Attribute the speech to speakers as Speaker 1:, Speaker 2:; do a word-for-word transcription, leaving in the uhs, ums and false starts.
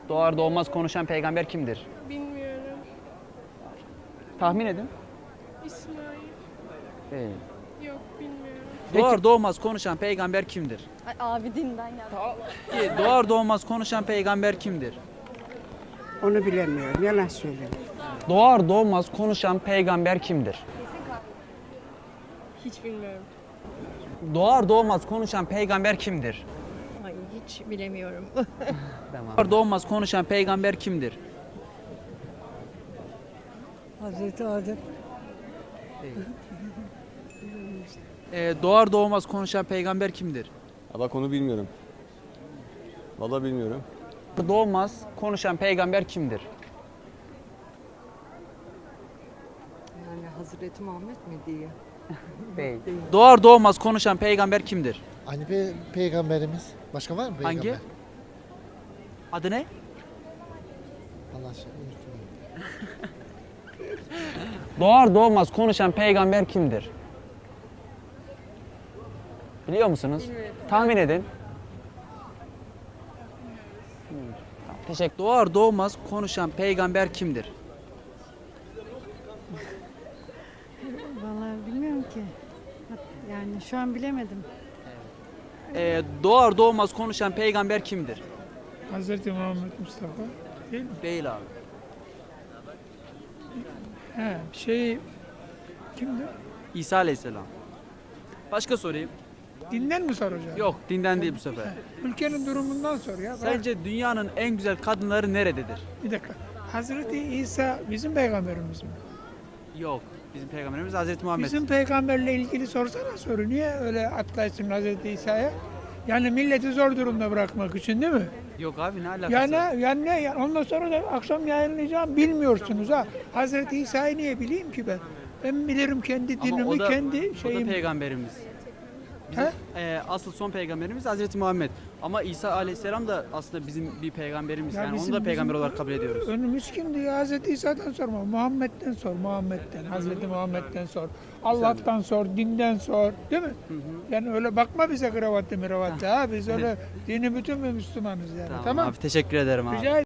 Speaker 1: Doğar doğmaz konuşan peygamber kimdir?
Speaker 2: Bilmiyorum.
Speaker 1: Tahmin edin.
Speaker 2: İsmail.
Speaker 1: Değil.
Speaker 2: Yok bilmiyorum.
Speaker 3: Doğar doğmaz konuşan peygamber kimdir?
Speaker 4: Ay, abi dinden geldi.
Speaker 3: Peki, doğar doğmaz konuşan peygamber kimdir?
Speaker 5: Onu bilemiyorum. Yalan söylüyorum.
Speaker 1: Doğar doğmaz konuşan peygamber kimdir?
Speaker 2: Hiç bilmiyorum.
Speaker 1: Doğar doğmaz konuşan peygamber kimdir?
Speaker 6: Ay hiç bilemiyorum.
Speaker 1: Tamam.
Speaker 3: Doğar doğmaz konuşan peygamber kimdir?
Speaker 5: Hazreti Adem.
Speaker 3: Ee, doğar doğmaz konuşan peygamber kimdir?
Speaker 7: Ha bak onu bilmiyorum. Vallahi bilmiyorum.
Speaker 1: Doğmaz konuşan peygamber kimdir?
Speaker 6: Yani Hazreti Muhammed mi diye.
Speaker 1: Değil.
Speaker 3: Doğar doğmaz konuşan peygamber kimdir?
Speaker 8: Hani pe peygamberimiz. Başka var mı peygamber?
Speaker 3: Hangi? Adı ne?
Speaker 8: Allah aşkına unuttum.
Speaker 1: Doğar doğmaz konuşan peygamber kimdir? Biliyor musunuz? Tahmin edin. Hmm, tamam, teşekkür.
Speaker 3: Doğar doğmaz konuşan peygamber kimdir?
Speaker 9: Vallahi bilmiyorum ki. Yani şu an bilemedim.
Speaker 3: Ee, doğar doğmaz konuşan peygamber kimdir?
Speaker 2: Hazreti Muhammed Mustafa değil mi?
Speaker 3: Değil abi.
Speaker 2: He, şey kimdi?
Speaker 3: İsa Aleyhisselam. Başka sorayım.
Speaker 2: Dinden mi soracağım?
Speaker 3: Yok, dinden değil bu sefer.
Speaker 2: Ülkenin durumundan sor ya. Bırak.
Speaker 3: Sence dünyanın en güzel kadınları nerededir?
Speaker 2: Bir dakika. Hazreti İsa bizim peygamberimiz mi?
Speaker 3: Yok. Bizim peygamberimiz Hazreti Muhammed.
Speaker 2: Bizim peygamberle ilgili sorsana soru. Niye öyle atlaysın Hazreti İsa'ya? Yani milleti zor durumda bırakmak için değil mi?
Speaker 3: Yok abi ne alakası
Speaker 2: Yani,
Speaker 3: var?
Speaker 2: yani ne? Yani ondan sonra da akşam yayınlayacağım bilmiyorsunuz ha. Hazreti İsa'yı niye bileyim ki ben? Ben bilirim kendi
Speaker 3: Ama
Speaker 2: dinimi,
Speaker 3: o da,
Speaker 2: kendi
Speaker 3: o da
Speaker 2: şeyimi.
Speaker 3: peygamberimiz. Bizim
Speaker 2: He?
Speaker 3: e, asıl son peygamberimiz Hazreti Muhammed. Ama İsa Aleyhisselam da aslında bizim bir peygamberimiz.
Speaker 2: Ya
Speaker 3: yani
Speaker 2: bizim-
Speaker 3: onu da peygamber
Speaker 2: bizim
Speaker 3: olarak kabul ediyoruz.
Speaker 2: Önümüz kimdi ya? Hazreti İsa'dan sorma. Muhammed'den sor. Muhammed'den. Hazreti Muhammed'den sor. Allah'tan sor. Dinden sor. Değil mi? Yani öyle bakma bize kravatlı mıravattı ha. Biz öyle dini bütün bir Müslümanız yani.
Speaker 3: Tamam,
Speaker 2: Tamam.
Speaker 3: abi teşekkür ederim abi.
Speaker 2: Rica